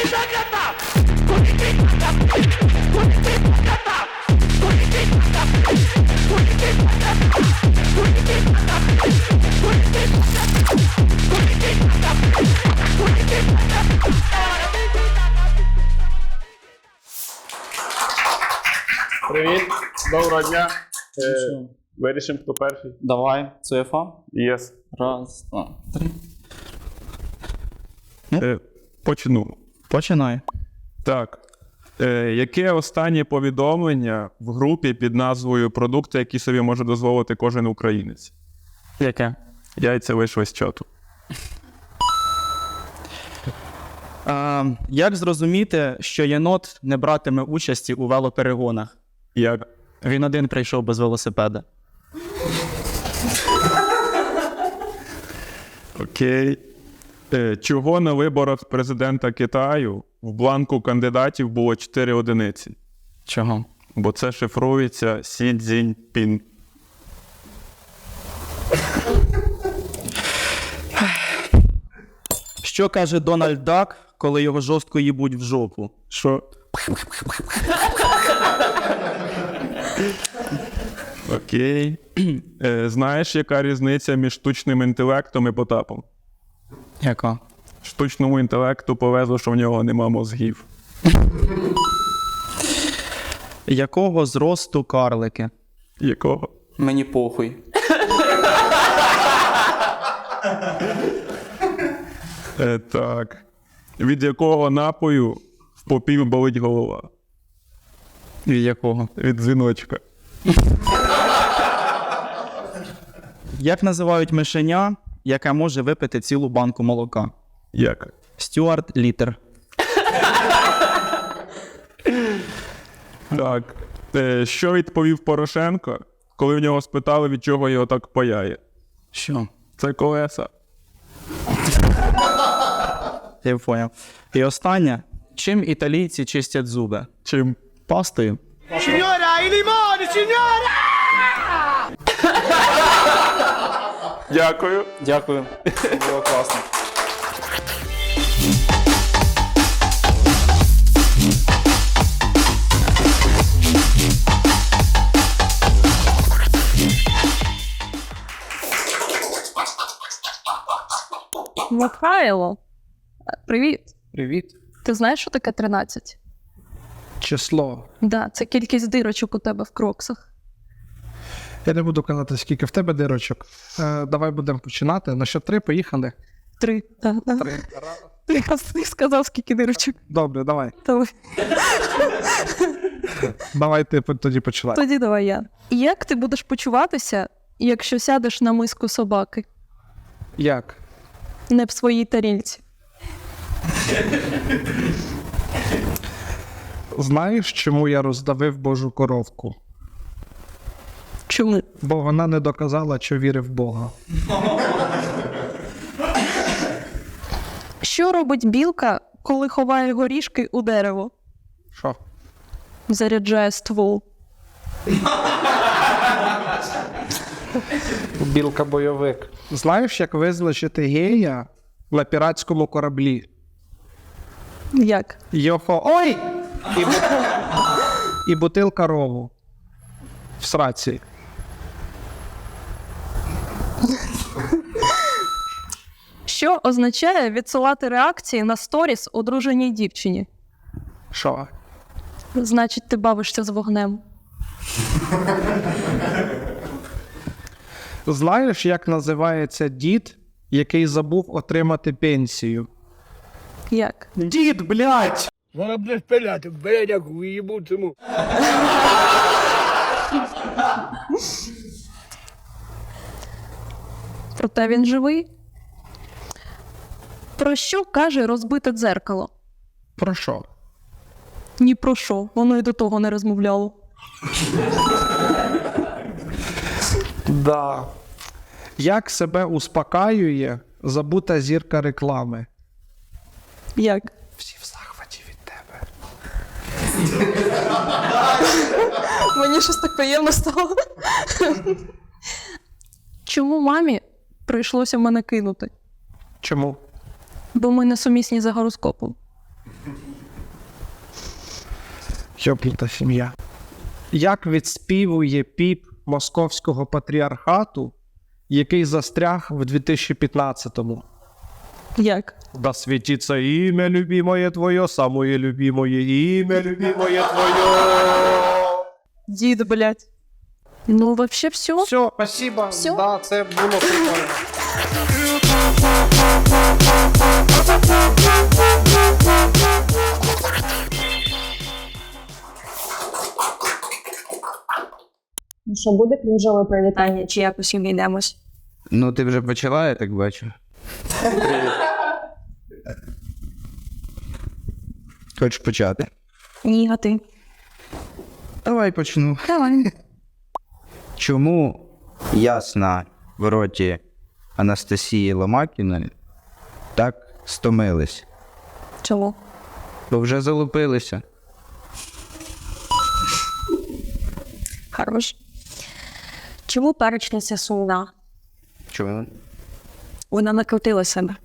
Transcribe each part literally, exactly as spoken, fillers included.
Привіт, доброго дня. Е, вирішимо, хто перший. Давай, цифа. Єс. Раз, два, три. Е, почну. Починай. Так. Е, яке останнє повідомлення в групі під назвою «Продукти, які собі може дозволити кожен українець»? Яке? Яйця вийшли з чату. А, як зрозуміти, що єнот не братиме участі у велоперегонах? Як? Він один прийшов без велосипеда. Окей. Е, чого на виборах президента Китаю в бланку кандидатів було чотири одиниці? Чого? Бо це шифрується Сі Цзіньпін. Що каже Дональд Дак, коли його жорстко їбуть в жопу? Що? Окей. Е, знаєш, яка різниця між штучним інтелектом і Потапом? Яка? Штучному інтелекту повезло, що в нього нема мозгів. Якого зросту карлики? Якого? Мені похуй. Е, так. Від якого напою в попів болить голова? Від якого? Від дзвіночка. Як називають мишеня, яке може випити цілу банку молока? Як? Стюарт Літер. Так. Е, що відповів Порошенко, коли в нього спитали, від чого його так паяє? Що? Це колеса. Я поняв. І останнє. Чим італійці чистять зуби? Чим? Пастою. Signora, i limoni, signora! Дякую. Дякую. Було класно. Михайло, привіт. Привіт. Ти знаєш, що таке тринадцять? Число. Да, це кількість дирочок у тебе в кроксах. Я не буду казати, скільки в тебе дирочок. Е, давай будемо починати. На що три, поїхали. Три. Да, да. Три. Ти якраз ти сказав, скільки дирочок. Добре, давай. Давай. Давай ти тоді починай. Тоді давай я. Як ти будеш почуватися, якщо сядеш на миску собаки? Як? Не в своїй тарілці. Знаєш, чому я роздавив Божу коровку? Чому? Бо вона не доказала, що вірив в Бога. Що робить білка, коли ховає горішки у дерево? Що? Заряджає ствол. Білка-бойовик. Знаєш, як визначити гея на піратському кораблі? Як? Йохо. Ой! І, бу... І бутилка рову. В сраці. Що означає відсилати реакції на сторіс одруженій дівчині? Що? Значить, ти бавишся з вогнем. Знаєш, як називається дід, який забув отримати пенсію? Як? Дід, блядь! Вона буде спиляти, блядь, як уїбу цьому. Проте він живий. Про що каже розбите дзеркало? Про що? Ні про що, воно й до того не розмовляло. Да. Як себе успокаює забута зірка реклами? Як? Всі в захваті від тебе. Мені щось так приємно стало. Чому мамі прийшлося мене кинути? Чому? Бо ми не сумісні за гороскопом. Тьопліта сім'я. Як відспівує піп московського патріархату, який застряг в дві тисячі п'ятнадцятому? Як? Да світиться ім'я любимое твоє, самое любимое ім'я любимое твоє. Дід, блядь. Ну, вообще все. Все, спасибо. Всё? Да, це було прикольно. Ну що, буде крінжове привітання, чи якось обійдемось? Ну, ти вже почала, я так бачу. Хочеш почати? Ні, а ти. Давай почну. Давай. Чому ясна в роті Анастасії Ломакіної так стомились? Чому? Бо вже залупилися. Хорош. Чому перечниця сумна? Чому? Вона накрутила себе.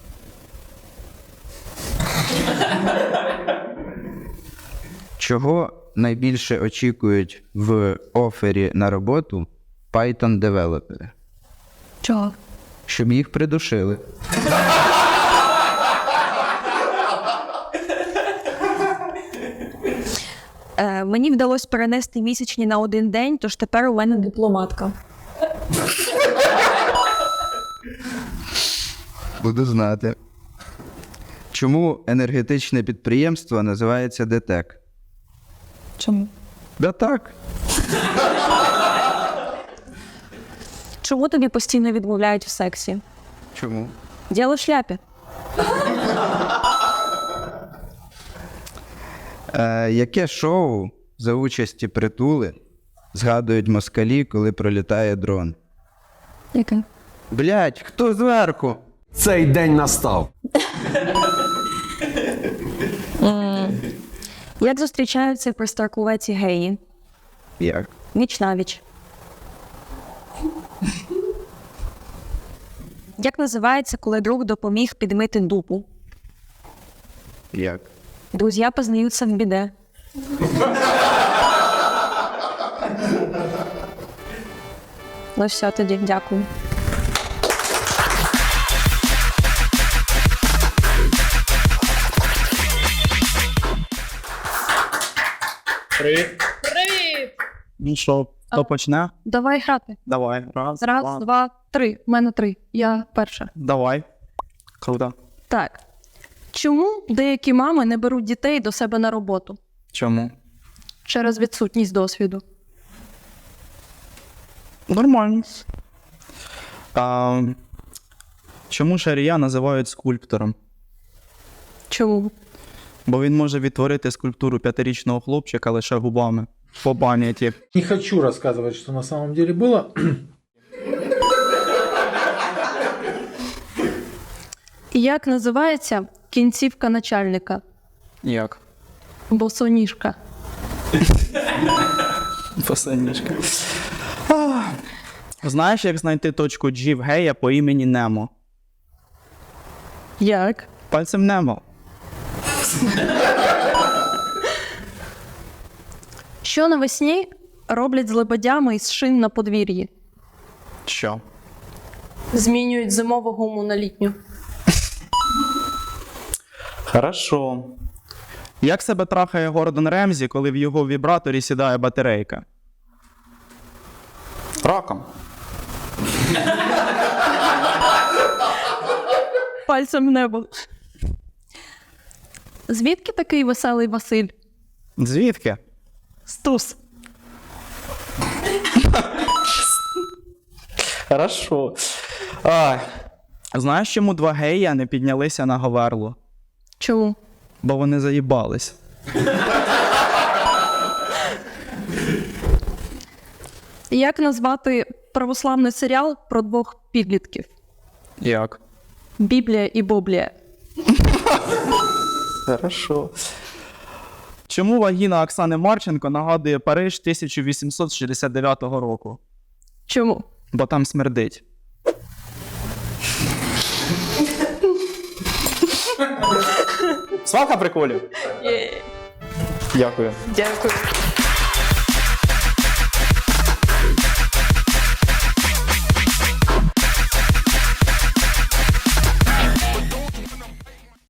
Чого найбільше очікують в офері на роботу Python-девелопери? Чого? Щоб їх придушили. Е, мені вдалося перенести місячні на один день, тож тепер у мене дипломатка. Буду знати. Чому енергетичне підприємство називається ДТЕК? Чому? Да так. Чому тобі постійно відмовляють в сексі? Чому? Діло в шляпі. Е, яке шоу за участі Притули згадують москалі, коли пролітає дрон? Яке? Блять, хто зверху? Цей день настав. Як зустрічаються при старкувеці геї? Як? Віч навіч. Як називається, коли друг допоміг підмити дупу? Як? Друзья познаются в біде. Ну все, тоді, дякую. Ну що, хто почне? Давай грати. Давай. Раз, Раз, два. два, три. У мене три. Я перша. Давай. Круто. Так. Чому деякі мами не беруть дітей до себе на роботу? Чому? Через відсутність досвіду. Нормально. А, чому Шарія називають скульптором? Чому? Бо він може відтворити скульптуру п'ятирічного хлопчика лише губами. По пам'яті. Не хочу рассказывать, что на самом деле было. Як називається кінцівка начальника? Як? Босоніжка. Посильнішка. А, знаєш, як знайти точку G в гея по імені Немо? Як? Пальцем Немо. Що навесні роблять з лебедями із шин на подвір'ї? Що? Змінюють зимову гуму на літню. Хорошо. Як себе трахає Гордон Ремзі, коли в його вібраторі сідає батарейка? Раком. Пальцем в небо. Звідки такий веселий Василь? Звідки? Стус. Хорошо. А, знаєш, чому два гея не піднялися на Говерлу? Чому? Бо вони заїбались. Як назвати православний серіал про двох підлітків? Як? Біблія і Боблія. Хорошо. Чому вагіна Оксани Марченко нагадує Париж тисяча вісімсот шістдесят дев'ятого року? Чому? Бо там смердить. Свалка приколів. Дякую. Дякую.